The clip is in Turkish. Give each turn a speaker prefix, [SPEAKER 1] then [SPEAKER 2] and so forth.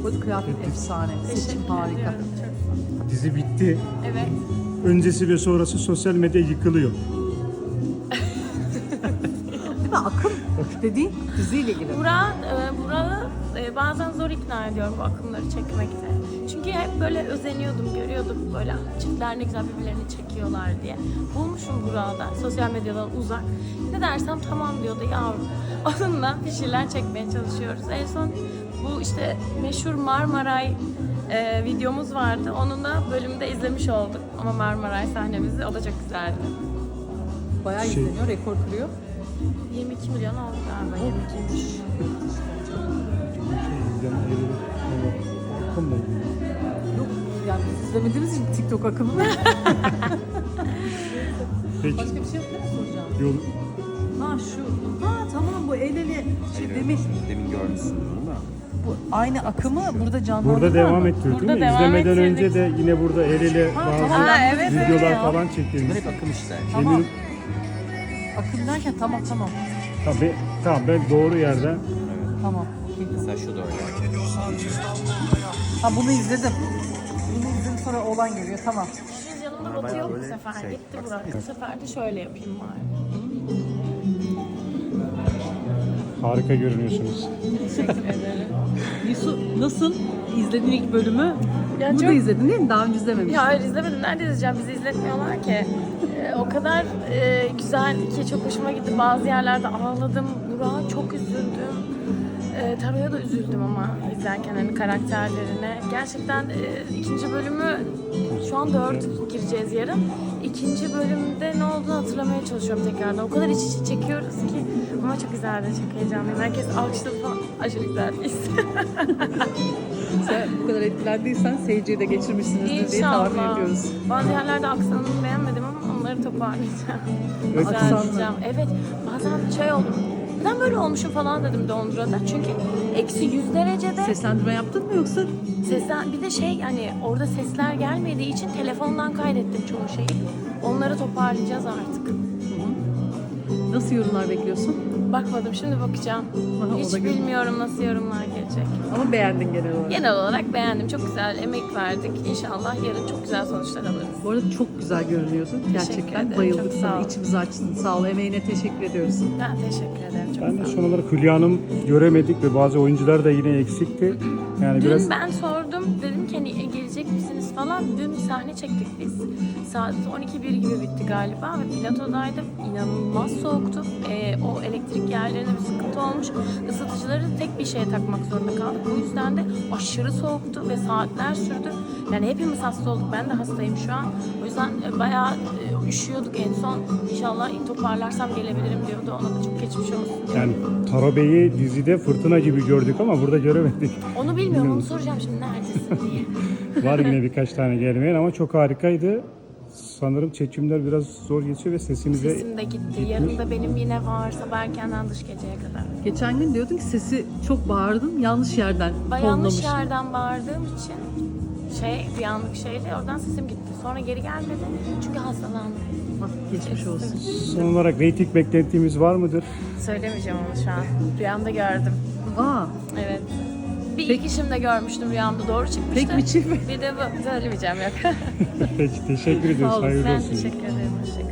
[SPEAKER 1] Bu arada kıyafet efsane. Seçim harika.
[SPEAKER 2] Dizi bitti.
[SPEAKER 3] Evet.
[SPEAKER 2] Öncesi ve sonrası sosyal medya yıkılıyor.
[SPEAKER 1] Akım dediğin diziyle ilgili.
[SPEAKER 3] Burak'ı bazen zor ikna ediyorum bu akımları çekmekte. Çünkü hep böyle özeniyordum, görüyordum böyle çiftler ne güzel birbirlerini çekiyorlar diye. Bulmuşum Burak'ı da sosyal medyadan uzak. Ne dersem tamam diyordu yavrum. Onunla bir şeyler çekmeye çalışıyoruz. En son bu işte meşhur Marmaray videomuz vardı. Onun da bölümde izlemiş olduk. Ama Marmaray sahnemizi, o da çok güzeldi.
[SPEAKER 1] Bayağı izleniyor, rekor kırıyor.
[SPEAKER 3] 22 milyon oldu galiba, 22'ymiş.
[SPEAKER 1] Yok yani biz izlemediğimiz için TikTok akımı.
[SPEAKER 2] Peki.
[SPEAKER 1] Başka bir şey yok değil mi soracağım?
[SPEAKER 2] Yol,
[SPEAKER 1] Ha şu. Ha tamam bu el ele.
[SPEAKER 4] Demin görmüşsün bunu da.
[SPEAKER 1] Bu aynı akımı burada canlandırıyor.
[SPEAKER 2] burada devam ettiriyor değil
[SPEAKER 3] Burada
[SPEAKER 2] mi?
[SPEAKER 3] devam
[SPEAKER 2] İzlemeden
[SPEAKER 3] ettirdik.
[SPEAKER 2] önce de yine burada el ele bazı
[SPEAKER 1] tamam,
[SPEAKER 3] evet,
[SPEAKER 2] videolar
[SPEAKER 1] evet.
[SPEAKER 2] falan çekilmiş.
[SPEAKER 4] Hep akım işte.
[SPEAKER 1] Tamam. Akım derken tamam.
[SPEAKER 2] Tamam ben doğru yerden.
[SPEAKER 1] Tamam. Okey.
[SPEAKER 4] Mesela şu da öyle.
[SPEAKER 1] Ha bunu izledim. Bunu izledim sonra oğlan geliyor tamam.
[SPEAKER 3] Şimdi yanımda Batı yok bu
[SPEAKER 4] böyle
[SPEAKER 3] sefer.
[SPEAKER 4] şey,
[SPEAKER 3] Gitti Burak. Bu sefer de şöyle yapayım bari.
[SPEAKER 2] Harika görünüyorsunuz.
[SPEAKER 3] Teşekkür ederim.
[SPEAKER 1] Yusuf nasıl? İzledin ilk bölümü.
[SPEAKER 3] Ya
[SPEAKER 1] Burada
[SPEAKER 3] çok-
[SPEAKER 1] izledin değil mi? Daha önce izlememiştin.
[SPEAKER 3] Ya hayır izlemedim. Nerede izleyeceğim? Bizi izletmiyorlar ki. O kadar güzel ki çok hoşuma gitti. Bazı yerlerde ağladım. Burak'a çok üzüldüm. Taro'ya da üzüldüm ama izlerken hani karakterlerine. Gerçekten ikinci bölümü şu an 4 gireceğiz yarın. İkinci bölümde ne olduğunu hatırlamaya çalışıyorum tekrardan. O kadar iç içe çekiyoruz ki. Ama çok güzeldi, çok heyecanlıyım. Herkes alkışladı falan. Aşırı güzeldi.
[SPEAKER 1] Sen bu kadar etkilendiysen seyirciye de geçirmişsinizdir diye tahmin ediyoruz.
[SPEAKER 3] Bazı yerlerde aksanını beğenmedim ama onları toparlayacağım.
[SPEAKER 1] Aksanlı.
[SPEAKER 3] Düzelteceğim. Evet. Bazen şey oldum. Neden böyle olmuşum falan dedim Londra'da. Çünkü eksi 100 derecede
[SPEAKER 1] Seslendirme yaptın mı yoksa?
[SPEAKER 3] sesler, bir de şey hani orada sesler gelmediği için telefondan kaydettim çoğu şeyi. Onları toparlayacağız artık.
[SPEAKER 1] Nasıl yorumlar bekliyorsun?
[SPEAKER 3] Bakmadım, şimdi bakacağım.
[SPEAKER 1] Aha, o da
[SPEAKER 3] Hiç
[SPEAKER 1] güzel.
[SPEAKER 3] bilmiyorum nasıl yorumlar gelecek.
[SPEAKER 1] Ama beğendin genel olarak.
[SPEAKER 3] Genel olarak beğendim. Çok güzel emek verdik. İnşallah yarın çok güzel sonuçlar alırız.
[SPEAKER 1] Bu arada çok güzel görünüyordun. Gerçekten
[SPEAKER 3] ederim,
[SPEAKER 1] bayıldık
[SPEAKER 3] çok sağ
[SPEAKER 1] sana.
[SPEAKER 3] ol.
[SPEAKER 1] İçimizi açtın. Sağ ol. Emeğine teşekkür ediyoruz.
[SPEAKER 3] Ben teşekkür ederim. Çok
[SPEAKER 2] Ben de
[SPEAKER 3] sağ ol.
[SPEAKER 2] son olarak Hülya Hanım göremedik ve bazı oyuncular da yine eksikti. Yani
[SPEAKER 3] Dün
[SPEAKER 2] biraz
[SPEAKER 3] ben sordum, dedim ki hani gelecek misiniz falan. Dün sahne çektik biz. Saat 12-1 gibi bitti galiba ve platodaydım. İnanılmaz soğuktu. O elektrik yerlerinde bir sıkıntı olmuş. Isıtıcıları tek bir şeye takmak zorunda kaldık. Bu yüzden de aşırı soğuktu ve saatler sürdü. Yani hepimiz hasta olduk. Ben de hastayım şu an. O yüzden bayağı üşüyorduk en son. İnşallah toparlarsam gelebilirim diyordu. Ona da çok geçmiş olsun.
[SPEAKER 2] yani Taro Bey'i dizide fırtına gibi gördük ama burada göremedik.
[SPEAKER 3] Onu bilmiyorum, onu soracağım şimdi neredesin diye.
[SPEAKER 2] Var yine birkaç tane gelmeyen ama çok harikaydı. Sanırım çekimler biraz zor geçiyor ve sesinize
[SPEAKER 3] Sesim de gitti. Yarın da benim yine var. Sabah erkenden dış geceye kadar.
[SPEAKER 1] Geçen gün diyordun ki sesi çok bağırdın. Yanlış yerden
[SPEAKER 3] Yanlış
[SPEAKER 1] tonlamış.
[SPEAKER 3] yerden bağırdığım için bir anlık şeyle oradan sesim gitti. Sonra geri gelmedi. Çünkü hastalandım.
[SPEAKER 1] Ah, geçmiş olsun.
[SPEAKER 2] son olarak reyting beklentimiz var mıdır?
[SPEAKER 3] Söylemeyeceğim onu şu an. Rüyamda gördüm.
[SPEAKER 1] Aa,
[SPEAKER 3] Evet. Bir
[SPEAKER 1] Peki.
[SPEAKER 3] ilk işimde görmüştüm rüyamda. Doğru çıkmıştı.
[SPEAKER 1] tek mi çift mi?
[SPEAKER 3] Bir de bu. Söylemeyeceğim yok.
[SPEAKER 2] Peki teşekkür ediyoruz.
[SPEAKER 1] Sağ olun.
[SPEAKER 2] Hayırlı
[SPEAKER 3] Ben
[SPEAKER 2] olsun.
[SPEAKER 3] teşekkür ederim. Hoşçakalın.